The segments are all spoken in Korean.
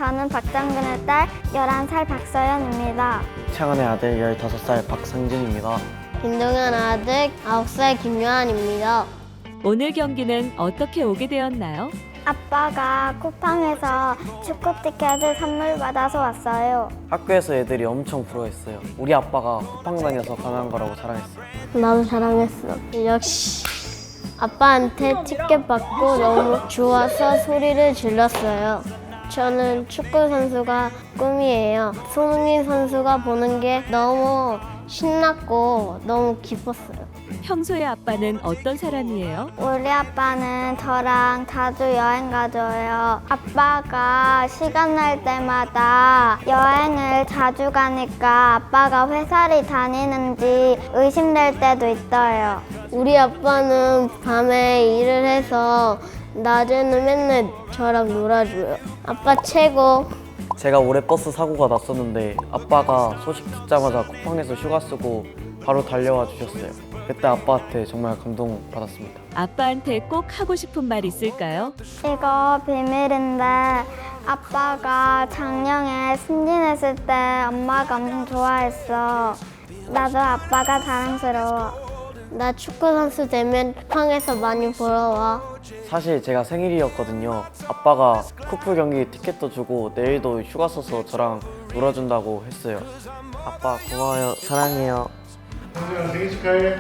저는 박정근의 딸 11살 박서연입니다. 창원의 아들 15살 박상진입니다. 김동현 아들 9살 김요한입니다. 오늘 경기는 어떻게 오게 되었나요? 아빠가 쿠팡에서 축구 티켓을 선물 받아서 왔어요. 학교에서 애들이 엄청 부러워했어요. 우리 아빠가 쿠팡 다녀서 가능한 거라고 자랑했어요. 나도 자랑했어. 역시 아빠한테 티켓 받고 너무 좋아서 소리를 질렀어요. 저는 축구 선수가 꿈이에요. 손흥민 선수가 보는 게 너무 신났고 너무 기뻤어요. 평소에 아빠는 어떤 사람이에요? 우리 아빠는 저랑 자주 여행 가줘요. 아빠가 시간 날 때마다 여행을 자주 가니까 아빠가 회사를 다니는지 의심될 때도 있어요. 우리 아빠는 밤에 일을 해서 낮에는 맨날 저랑 놀아줘요. 아빠 최고. 제가 올해 버스 사고가 났었는데 아빠가 소식 듣자마자 쿠팡에서 휴가 쓰고 바로 달려와 주셨어요. 그때 아빠한테 정말 감동받았습니다. 아빠한테 꼭 하고 싶은 말 있을까요? 이거 비밀인데 아빠가 작년에 승진했을 때 엄마가 엄청 좋아했어. 나도 아빠가 자랑스러워. 나 축구 선수 되면 쿠팡에서 많이 보러 와. 사실 제가 생일이었거든요. 아빠가 쿠플 경기 티켓도 주고 내일도 휴가 써서 저랑 놀아준다고 했어요. 아빠 고마워요. 사랑해요. 생일 축하해.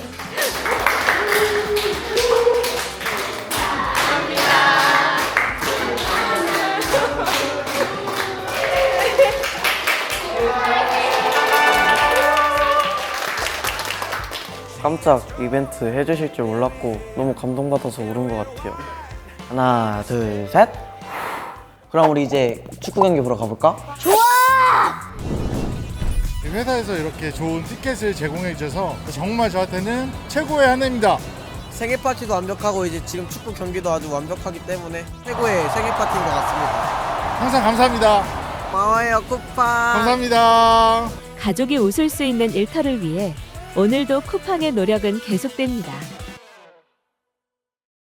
깜짝 이벤트 해주실 줄 몰랐고 너무 감동받아서 울은 것 같아요. 하나, 둘, 셋. 그럼 우리 이제 축구 경기 보러 가볼까? 회사에서 이렇게 좋은 티켓을 제공해 주셔서 정말 저한테는 최고의 한 해입니다. 생일 파티도 완벽하고 이제 지금 축구 경기도 아주 완벽하기 때문에 최고의 생일 파티인 것 같습니다. 항상 감사합니다. 고마워요 쿠팡. 감사합니다. 가족이 웃을 수 있는 일터를 위해 오늘도 쿠팡의 노력은 계속됩니다.